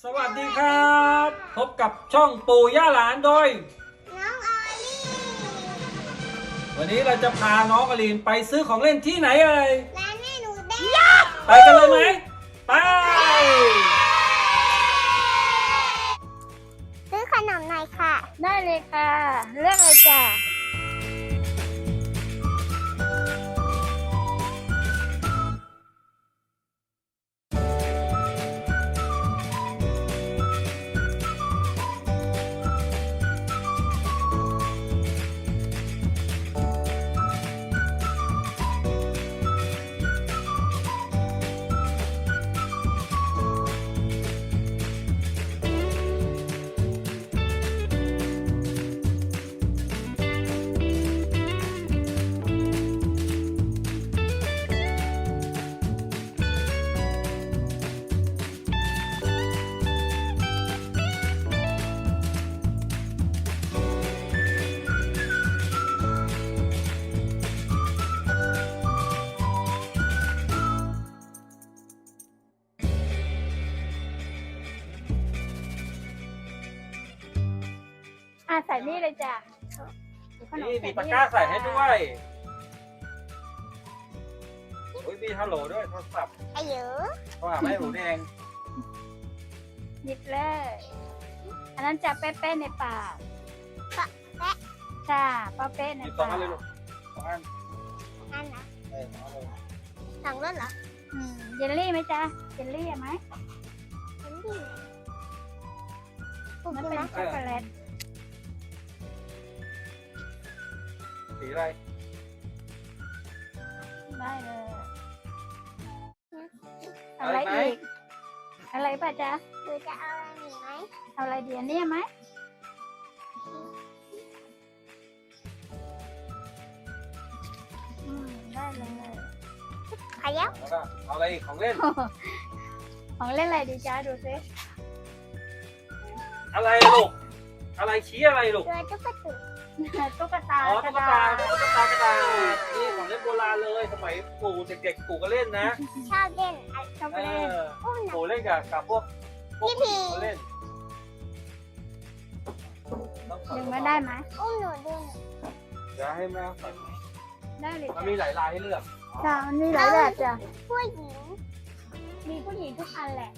สวัสดีครับพบกับช่องปู่ย่าหลานโดยน้องออลี่วันนี้เราจะพาน้องอลีนไปซื้อของเล่นที่ไหนเอ่ยร้านแม่หนูแดงไปกันเลยไหมไปซื้อขนมหน่อยค่ะได้เลยค่ะเลือกเลยจ้ะใส่นี่เลยจ้ะนี่มีตะกร้าใส่ให้ด้วยโอ้ยมีฮัลโหลด้วยโทรศัพท์อายุโทรหาแม่หนูแดงหยิบเลยอันนั้นจะเป๊ะๆในปากปะแปะจ้าเป๊ะๆในสองปากอันเลยลูกสองอันอันนะสองอันเลยสั่งรถเหรอเยลลี่ไหมจ๊ะเยลลี่ไหมฉันดีมันเป็นช็อกโกแลตสีอะไรได้เลยอะไรอีกอะไรป่ะจ๊ะหรือจะเอาอะไรอีกไหมเอาอะไรเดียวนี่ไหมได้เลยขยับแล้วก็เอาอะไรอีกของเล่นของเล่นอะไรดีจ๊ะดูซิอะไรลูกอะไรชี้อะไรลูกตัวตุ๊กตาตุ๊กตาอ๋อตุ๊กตากระดาษนี่ของเล่นโบราณเลยสมัยปู่เด็กๆปู่ก็เล่นนะชอบเล่นชอบเล่นปู่เล่นกับพวกพี่เล่นดึงมาได้ไหมอุ้มหนูดึงเดี๋ยวให้แม่ใส่ได้เลยมันมีหลายลายให้เลือกจ้ามันมีหลายแบบจ้ะผู้หญิงมีผู้หญิงทุกอันแหละ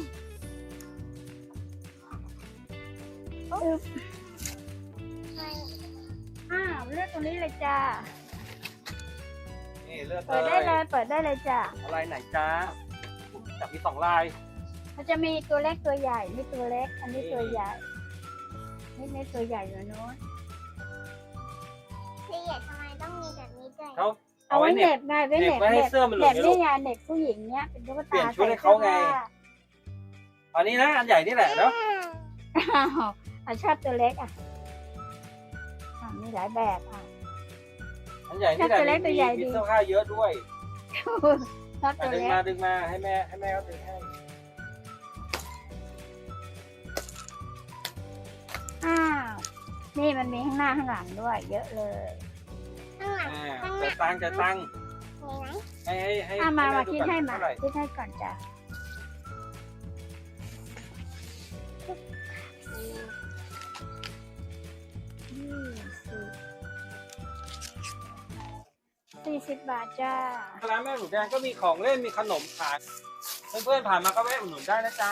เลือกตรงนี้เลยจ้านี่เลือกเปิดได้เลยเปิดได้เลยจ้าอะไรไหนจ้าจับมี2ลายมันจะมีตัวเล็กตัวใหญ่นี่ตัวเล็กอันนี้ตัวใหญ่นี่ตัวใหญ่อยู่โน้นละเอียดทำไมต้องมีแบบนี้ด้วยเขาเอาไว้เน็บไงไว้เน็บให้เสื้อมันหลุดเน็บนี่ไงเน็บผู้หญิงเนี้ยเป็นตุ๊กตาเปลี่ยนชุดให้เขาไงอันนี้นะอันใหญ่นี่แหละเนาะชอบตัวเล็กมีหลายแบบอันใหญ่นี่แหละมีเสื้อผ้าเยอะด้วยชอบตัวเล็กดึงมาให้แม่เขาดึงให้นี่มันมีข้างหน้าข้างหลังด้วยเยอะเลยข้างหลังจะตั้งให้มาคิดให้มาคิดให้ก่อนจ้ะ40 บาทจ้าร้านแม่หนูแดงก็มีของเล่นมีขนมขายเพื่อนๆผ่านมาก็แวะอุดหนุนได้นะจ๊ะ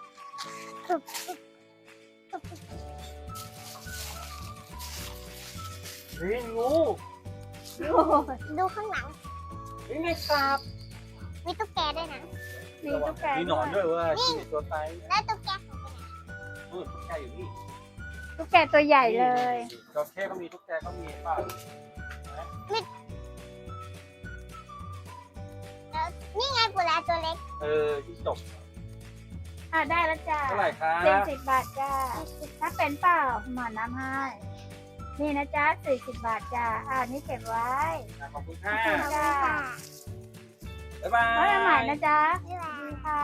นี่งูดูข้างหลังนี่ไงครับมีตุ๊กแกด้วยนะมีตุ๊กแกมีหนอนด้วยเว้ยมีตัวไซส์แล้วตุ๊กแกของตุ๊กแกอยู่นี่ตุ๊กแกตัวใหญ่เลยจระเข้ก็มีตุ๊กแกก็มีป่ะนี่ไงปูราตัวเล็กที่จบได้แล้วจ้าเท่าไหร่ครับ 40 บาทจ้าถ้าเป็นเปล่าหมอน้ำให้นี่นะจ๊ะ40 บาทจ้านี่เก็บไว้ขอบคุณค่ะจ้าบ๊ายบายไว้ใหม่นะจ๊ะดีค่ะ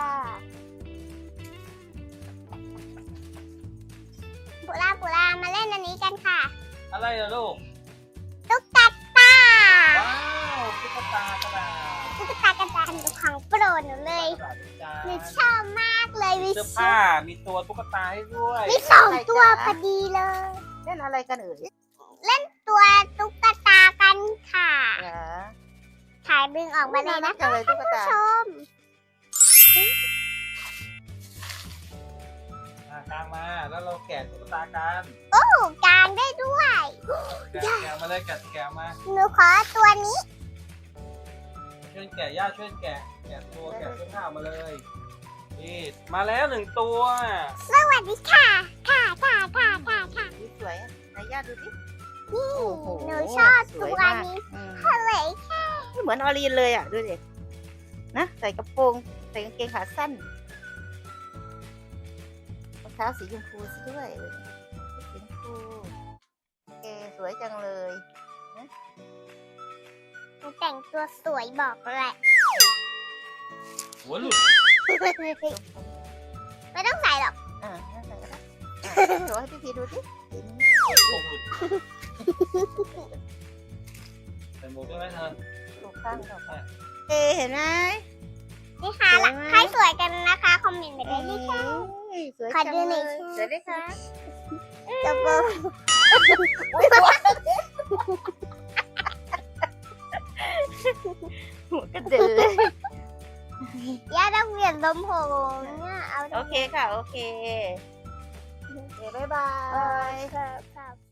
ปูรามาเล่นอันนี้กันค่ะอะไรเหรอลูกตุ๊กตาว้าวตุ๊กตากระดาษตุ๊กตากระดานของโปรดหนูเลยหนูชอบมากเลยมีวิเสื้อผ้ามีตัวตุ๊กตาให้ด้วยมีสองตัวพอดีเลยเล่นอะไรกันเอ่ยตัวตุ๊กตากันค่ะเหรอถ่ายดึงออกมาเลยนะจังเลยตุ๊กตาชมกางมาแล้วเราแกะตุ๊กตากันถูกกลางได้ด้วยแกะมาเลยแกะมาหนูขอตัวนี้ช่วยแกะย่าช่วยแกะแกะเสื้อผ้ามาเลยนี่มาแล้ว1 ตัวสวัสดีค่ะ ค่ะค่ะค่ะค่ะค่ะอุ๊ยสวยอะไหนย่าดูสินี่โอ้โหหนูชอบสตัยว มากนี้อืมเลยเหมือนออรีนเลยอ่ะดูสินะใส่กระโปรงใส่กางเกงขาสั้นรองเท้าสีชมพูซะด้วยสีชมพูเอสวยจังเลยหนูแต่งตัวสวยบอกเลยหัวหลุดไม่ต้องใส่หรอกอ่านั่นใส่ก็ได้โชว์ให้พี่พีดูสิเห็นผมหลุดใส่หมวกด้วยไหมเธอถูกข้างถูกข้างเห็นไหมนี่ค่ะสวยไหมใครสวยกันนะคะ คอมเมนต์ไปเลยนี่ค่ะสวยขอจังดูหเลน่อยยค่ะสวยไหมคะจะเบอร์หัวกระเดือยย่าต้องเปลี่ยนลมผมเนี่ยเอาโอเคค่ะ โอเค โอเคบ๊ายบายครับ